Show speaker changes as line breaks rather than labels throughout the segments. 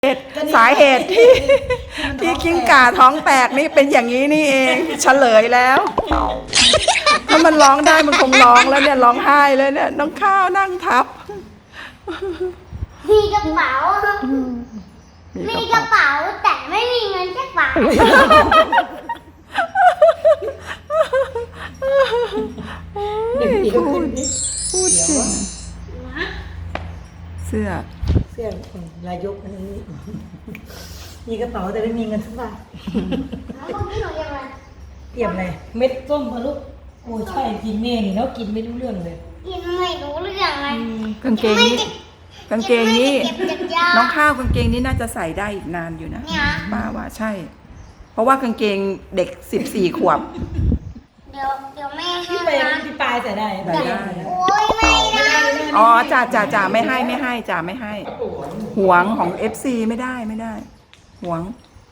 สาเหตุที่กิ้งก่าท้องแตกนี่เป็นอย่างนี้นี่เองเฉลยแล้วถ้ามันร้องได้มันคงร้องแล้วเนี่ยร้องไห้เลยเนี่ยน้องข้าวนั่งทับ
มีกระเป๋าแต่ไม่มีเงินสักบาท
พูดจริงเสื้อ
ลายยกอันนี้มีกระเป๋าแต่ไม่มีเงินสักบาท
แล้วก็พี่หนูยังไง
เตรียมอะไรเม็ดส้มพะลูกโอ้ใช่จริงแม่นี่แล้วกินไม่รู้เรื่องเลย
กินไม่รู้เรื่องเลย
กางเกงนี้น้องข้าวกางเกงนี้น่าจะใส่ได้อีกนานอยู่นะป้าว่าใช่เพราะว่ากางเกงเด็ก14 ขวบ
เดี๋ยวแม่ให้
พี่ปลายใส่ได้
โอ้ยไม่ได้
อ๋อจ่าไม่ให้จ่าไม่ให้หวงของ FC ไม่ได้หวง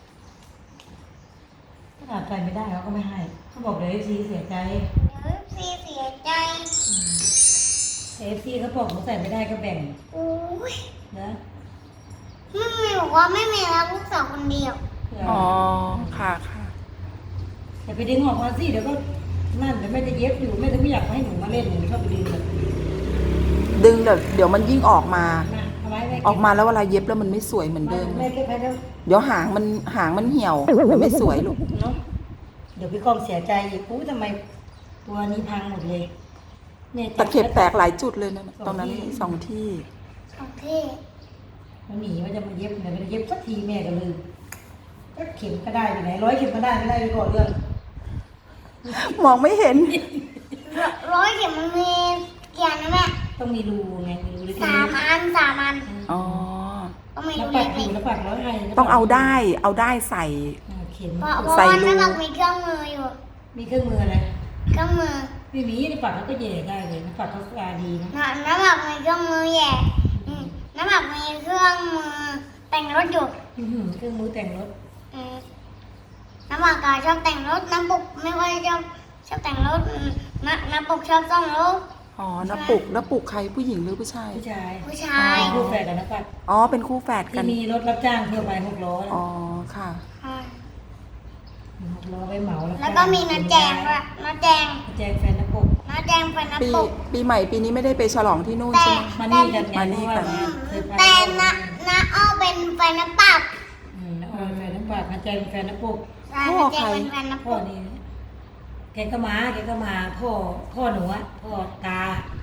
ขนาดใส่ไม่ได้เขาก็ไม่ให้เขาบอกเดี๋ยวFCเสียใจ
เสียใจ
FCเขาบอกเขาใส่ไม่ได้ก็แบ่ง
โอ้ย
นะ
ไม่มีบอกว่าไม่มีแล้วลูกสาวคนเดียว
อ๋อค่ะ
อย่าไปดึงออกมาสิเดี๋ยวก็นั่นเดี๋ยวแม่จะเย็บอยู่แม่จะไม่อยากให้หนูมาเล่นหนูชอบไปดึงเลย
ดึงเดี๋ยวมันยิ่งออกมา
ออก
มาแล้วเวลาเย็บแล้วมันไม่สวยเหมือนเดิม
แม่เก็บไปแล้ว
เดี๋ยวหางมันเหี่ยวมันไม่สวยลูก
เนาะเดี๋ยวพี่กองเสียใจอีกอู้ทำไมตัวนี้พังหมดเลย
ตะเข็บแตกหลายจุดเลยนะตอนนั้น2 ที่
มันหนีมันจะมาเย็บไหนมันเย็บสักทีแม่ก็ลืมก็เข็มก็ได้ไปไหน100 เข็มก็ได้ไม่ได้ไปก่อนเรื่อง
มองไม่เห็น
100 เข็มมันมีกี่อันนะแม่
ต้องมีรูไงมีรูเล็ก
ๆ3 อัน
อ๋อ
ต้องมีรู
เล็
เล็
ก
ๆ
แล้วปัด100ให้
ต้องเอาได้ใส่
เข็ม
เพราะว่าน้ำหมักมีเครื่องมืออยู่
มีเครื่องมืออะไร
เครื่องมือ
ไม่มีในปัดเขาก็แย่ได้เลยปัดเขาสะอาดดีนะ
น้ำหมักมีเครื่องมือแย่น้ำหมักมีเครื่องมือแต่งรถอยู่
เครื่องมือแต่งรถ
น้ำหมักชอบแต่งรถน้ำปุกไม่ค่อยชอบแต่งรถน้ำปุกชอบซ่อมรถ
อ๋อน้าปุกใครผู้หญิงหรือผู้ชาย
ผู้ชาย
คู่แฝดกันนะปัด
อ๋อเป็นคู่แฝดกัน
ที่มีรถรับจ้างเที่ยวไป6 ล้อ
อ๋อค่ะ
6 ล้อไปเหมา
แล้วก็มีน้าแจงด้วยน้าแจง
แฟนน้าปุก
ปีใหม่ปีนี้ไม่ได้ไปฉลองที่นู่นใช่ไหม
มานี่กัน
แต่น้าอ้อเป็นแฟนน้าปับ
น้าอ้อแฟนน้าปับน้าแจงเป็นแฟนน้าปุก
พ่อใคร
พ่อนี่แกก็มาพ่อหนูอะพ่อตา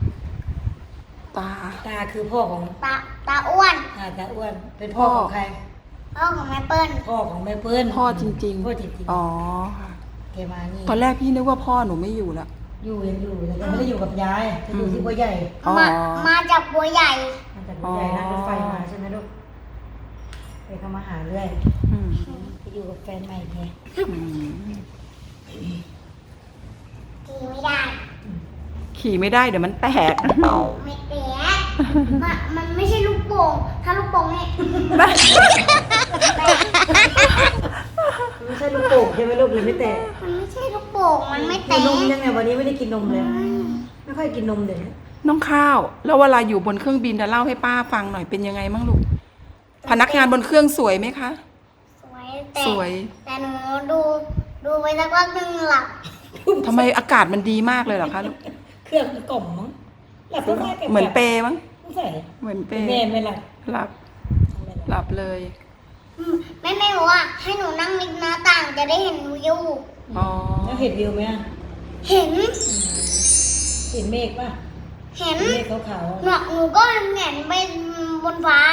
คือพ่อของ
ตาอ้วน
ตาอ้วนเป็นพ่อของใคร
พ่อของแม่เปิ้ล
พ่อของแม่เปิ้ล
พ่อจริงอ๋อค่ะ
แกมานี่
ตอนแรกพี่นึกว่าพ่อหนูไม่อยู่แล้ว
อยู่แต่ไม่ได้อยู่กับยายจะอยู่ที่บัวใหญ่
มาจากบัวใหญ่
นั่งรถไฟมาใช่ไหมลูกไปเข้ามาหาเรื่อยไปอยู่กับแฟนใหม่ไง
ขี่ไม่ได้
เดี๋ยวมันแตก
ไม่แตกมันไม่ใช่ลูกโป่งถ้าลูกโป่งเนี่ย
ไม่ใช่ลูกโป่งใช่ไหมลูกเลยไม่แตก
มันไม่ใช่ลูกโป่งมันไม่แตก
นมยังไงวันนี้ไม่ได้กินนมเลยไม่ค่อยกินนมเลย
น้องข้าวแล้วเวลาอยู่บนเครื่องบินจะเล่าให้ป้าฟังหน่อยเป็นยังไงมั่งลูกพนักงานบนเครื่องสวยไหมคะสวย
แต่หนูดูไปสักพักนึงหลับ
ทำไมอากาศมันดีมากเลยเหรอคะลูก
เครื่องกล่อมมั้งหลับ
เหมือนเปมั้ง
ใช่
เหมือนเป
แม่ไม่ห
ลับเลย
แม่บอกว่าให้หนูนั่งริมหน้าต่างจะได้เห็นวิว
แล้วเห็นวิวไหม
เห็น
เมฆป่ะ
เห็น
เมฆขาว
ๆหนูก็เห็นไปบนฟ้า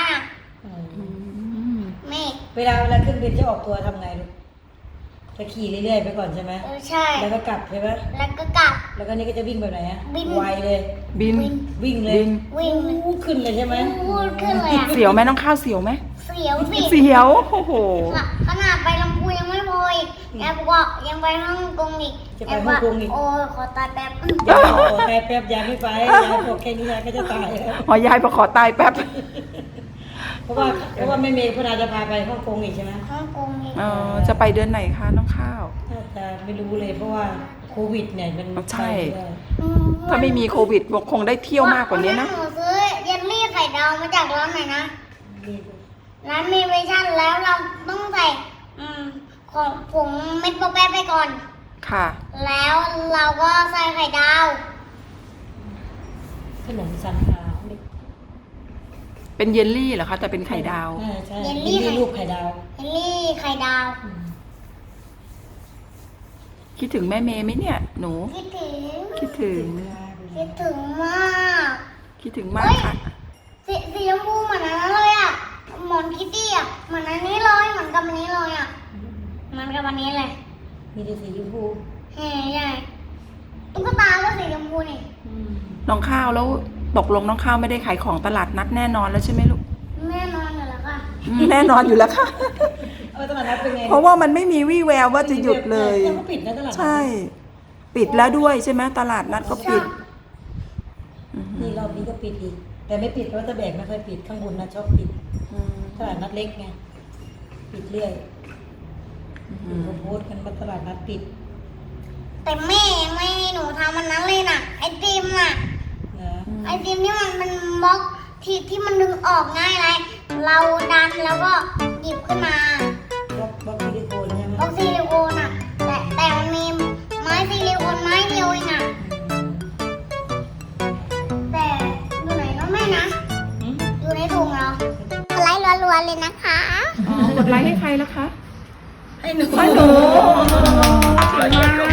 เมฆ
เวลาเครื่องบินจะออกตัวทำไงลูกจะขี่เรื่อยๆไปก่อนใช่ไหม
ใช่
แล้วก็กลับใช่ไหม
แล้วก็กลับ
แล้วก็นี่ก็จะวิ่งแบบไหนไวเลยวิ่งเลยขึ้นเลยใช่ไหม
ขึ้นเลย
เสียวไหมน้องข้าวเสียวไหม
เสียว
โอ้โห
ขนาดไปลำพูยังไม่พออีกยายบอกว่ายังไปฮ่องกงอีก
จะไปฮ่องกงอีก
โอ้ขอตายแป๊บ
ยายขอตายแป๊บยายไม่ไปยายบอกแค่นี้ยายก็จะตายแล้ว
ยายขอตายแป๊บ
เพราะว่าไม่เมย์พนาจะพาไปฮ่องกงอีกใช่ไหม
ฮ่องกงอีก
จะไปเดือนไหนคะน้องข้าว
จะไม่รู้เลยเพราะว่าโควิดเนี่ยมัน
ใช่ถ้าไม่มีโควิดคงได้เที่ยวมากกว่านี้นะ
หนูซื้อเยลลี่ไข่ดาวมาจากร้านไหนนะร้านมีเวอร์ชันแล้วเราต้องใส่ของผงเม็ดโปแปะไปก่อน
ค่ะ
แล้วเราก็ใส่ไข่ดาว
ขนมซันขาวเด็ก
เป็นเยลลี่เหรอคะแต่เป็นไข่ดาว
ใช่เยลลี่รูปไข่ดาว
เยลลี่ไข่ดาว
คิดถึงแม่เมย์ไหมเนี่ย หนู
คิดถึง
คิดถึง
คิดถึงมาก
คิดถึงมากค่ะ
สีชมพูเหมือนอันนั้นเลยอ่ะหมอนคิตตี้อ่ะเหมือนอันนี้เลยเหมือนกับอันนี้เลยอ่ะเหมือนกับอันนี้เลย
มีแต่สีชมพู
ใช่ตุ๊กตาก็สีชมพูนี่
น้องข้าวแล้วตกลงน้องข้าวไม่ได้ขายของตลาดนัดแน่นอนแล้วใช่ไหมลูก
แน่นอนอยู่แล้วค่ะ
แน่นอนอยู่แล้วค่ะ
ตลาดนัดเป็นไง
เพราะว่ามันไม่มีวี่แววว่าจะหยุดเลย
ยังก็ปิดนะตลาดนัด
ใช่ ปิดแล้วด้วยใช่ไหมตลาดนัดก็ปิด
นี่รอบนี้ก็ปิดอีก แต่ไม่ปิดเพราะตะแบกไม่ค่อยปิดข้างบนนะชอบปิด ตลาดนัดเล็กไงปิดเรื่อยเขาโพสต์กันว่าตลาดนัดปิด
แต่แม่ยังไม่ให้หนูทำมันนั้นเลยน่ะไอติมน่ะ
นะ
ไอติมที่มันเป็นบล็อกที่มันดึงออกง่ายเลยเราดันแล้วก็หยิบขึ้นมา
บล็อกซิลิโคนใช่ไหม
บล็อกซิลิโคนอ่ะแต่มันมีไม้ซิลิโคนไม้เดียวเองอ่ะแต่อยู่ไหนน้องแม่นะอยู่ในถุงเราไลค์รัวๆเลยนะคะ
กดไลค์ให้ใครแล้วคะ
ให้หนู
ให้หนูเก่งมาก